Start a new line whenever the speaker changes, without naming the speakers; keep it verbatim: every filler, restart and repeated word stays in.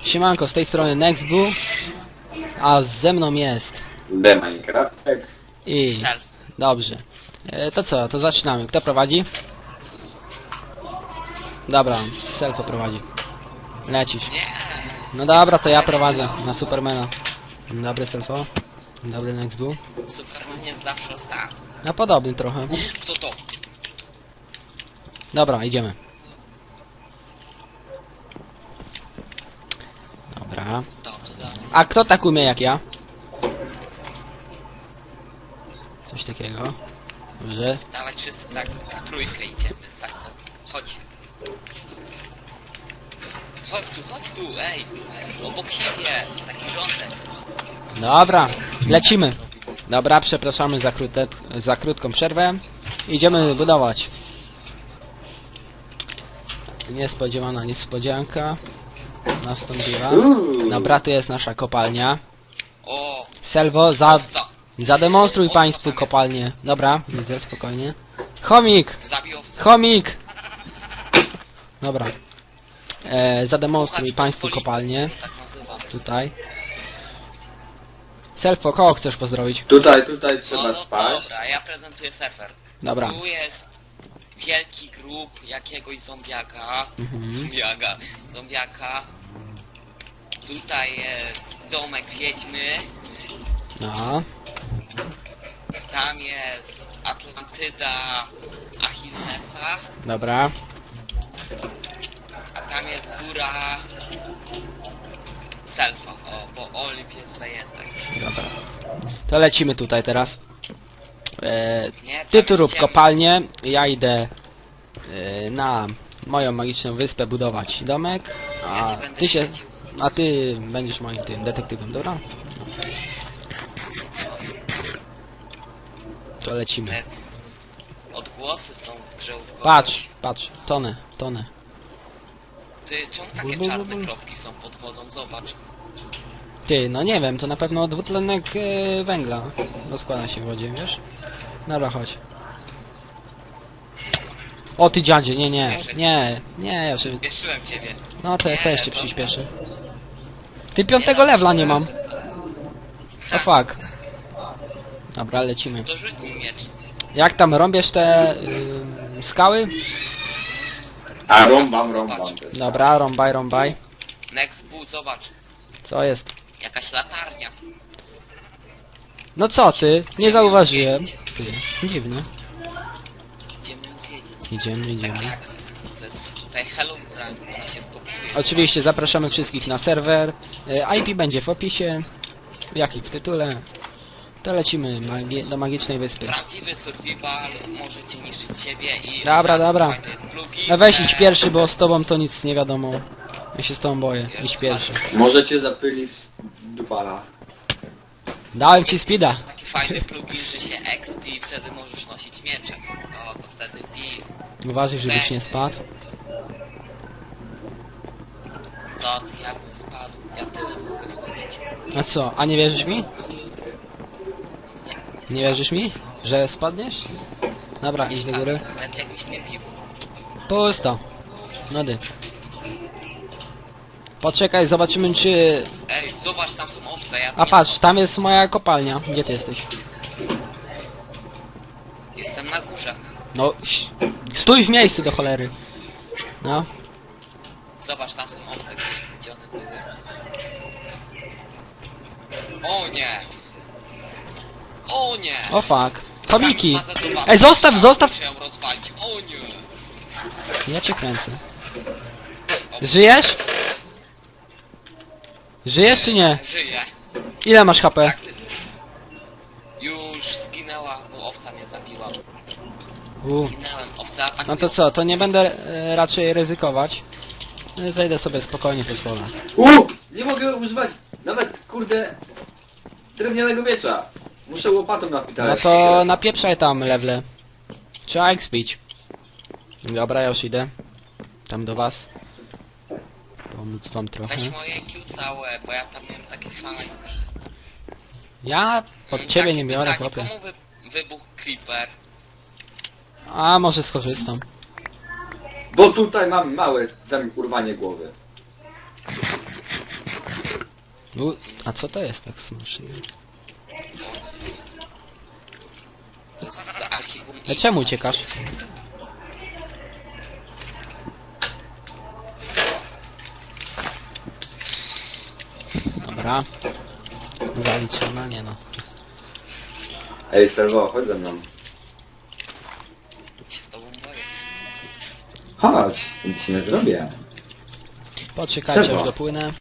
Siemanko, z tej strony Nextbu, a ze mną jest...
The Minecraftek.
I...
Self.
Dobrze. E, to co, to zaczynamy. Kto prowadzi? Dobra, Selfo prowadzi. Lecisz.
Nie.
No dobra, to ja prowadzę na Supermana. Dzień dobry, Selfo. Dzień dobry, Nextbu.
Superman jest zawsze ostatni.
No podobny trochę.
Kto to?
Dobra, idziemy. Dobra.
Dobrze, dobrze.
A kto tak umie jak ja? Coś takiego. Dobrze.
Dawać wszyscy tak w trójkę idziemy. Tak, chodź. Chodź tu, chodź tu, ej. Obok siebie. Taki rządek.
Dobra, lecimy. Dobra, przepraszamy za, krótę, za krótką przerwę. Idziemy budować. Niespodziewana niespodzianka nastąpiła. Dobra, tu jest nasza kopalnia.
O,
Selwo, za,
co?
zademonstruj
Owca
państwu
tam jest.
kopalnię. Dobra, widzę, spokojnie. Chomik!
Zabił owcę.
Chomik! Dobra. E, zademonstruj
Puchacz
państwu
pospolity,
kopalnię.
Tak nazywam.
Tutaj. Selfo, kogo chcesz pozdrowić?
Tutaj, tutaj
No,
trzeba
no
spać.
dobra, ja prezentuję surfer.
Dobra.
Tu jest wielki grób jakiegoś zombiaka.
Mhm.
Zombiaka. Zombiaka. Tutaj jest domek wiedźmy.
No.
Tam jest Atlantyda Achillesa.
Dobra.
A tam jest góra Selfa. O, bo Olimp jest zajęta już.
Dobra. To lecimy tutaj teraz. E,
Nie,
ty
tam
tu
jest
rób
ciemno.
kopalnię, ja idę e, na moją magiczną wyspę budować domek,
Ja
a
ci będę
ty się,
świecił.
a ty będziesz moim tym detektywem, dobra? No. To lecimy.
Net. Odgłosy są w grze u kogoś.
Patrz, patrz, tonę, tonę.
Ty, czemu
Bul,
takie
bul,
czarne
bul.
kropki są pod wodą? Zobacz.
Ty, no nie wiem, to na pewno dwutlenek e, węgla rozkłada się w wodzie, wiesz? Dobra, chodź. O ty dziadzie, nie, nie, nie, nie, ja już...
Spieszyłem ciebie.
No to ja
Nie,
też cię
zostaw.
przyspieszę. Ty piątego levela nie mam. O fuck. Dobra, lecimy.
To rzuć mi miecz.
Jak tam rąbiesz te y, skały?
A rąbam, rąbam.
Zobacz.
to jest
Dobra, rąbaj, rąbaj.
Next Bull, zobacz.
Co jest?
Jakaś latarnia.
No co ty? Nie zauważyłem. Ty, dziwne.
Idziemy zwiedzić.
Idziemy, idziemy.
Tak, to jest tutaj Hello, ona się skopiuje.
Oczywiście zapraszamy wszystkich na serwer. Y, I P będzie w opisie. Jak i w tytule. To lecimy magi do magicznej wyspy.
Prawdziwy survival może cię niszczyć ciebie i...
Dobra,
od razu
dobra.
fajny jest plugin,
No weź
e,
idź pierwszy, bo z tobą to nic nie wiadomo. Ja się z tobą boję. Idź pierwszy.
Możecie zapylić dupala.
Dałem ci speeda.
Jest taki fajny plugin, że się expi i wtedy możesz nosić miecze. O, to wtedy bij.
Uważaj, żebyś nie spadł.
Co ty, ja bym spadł. Ja tyle mogę wchodzić.
A co? A nie wierzysz mi?
Nie,
Nie wierzysz mi? Że spadniesz? Dobra, idź do góry.
Nawet jakbyś mnie bił.
Pusto. Nody. Poczekaj, zobaczymy czy...
Ej, zobacz, tam są owce, ja tu
A
nie
patrz, tam jest moja kopalnia. Gdzie ty jesteś?
jestem na górze.
No, ś- stój w miejscu do cholery. No.
Zobacz, tam są owce, gdzie, gdzie one były. O nie! O nie!
O fuck. Chomiki!
Tam bazę zobaczyć.
Ej, zostaw,
Tam
zostaw!
muszę ją rozwalić. O nie!
Ja cię kręcę. Żyjesz? Żyjesz czy nie?
Żyję.
Ile masz H P?
Tak, ty... Już zginęła, bo owca mnie zabiła.
U.
Zginęłem, owca atakują.
No to co, to nie będę e, raczej ryzykować. E, Zejdę sobie spokojnie po schodach.
U! Nie mogę używać nawet, kurde, drewnianego miecza. Muszę łopatą
No
napitać.
to napieprzaj tam lewle. Trzeba expić. Dobra, ja już idę. Tam do was. Pomóc wam trochę.
Weź moje I Q całe, bo ja tam miałem takie fajne.
Ja pod
Mm,
ciebie
takie
nie biorę,
pytanie,
chłopie.
komu wy... wybuchł creeper?
A może skorzystam.
Bo tutaj mam małe zami urwanie głowy.
U, a co to jest tak smacznie?
To jest z archiwum
A
X.
czemu uciekasz? Dobra. Zaliczone, nie no.
Ej, Serwo, chodź ze mną.
Się z tobą boję.
Chodź, nic ci nie zrobię.
Poczekajcie,
Serwo.
aż dopłynę.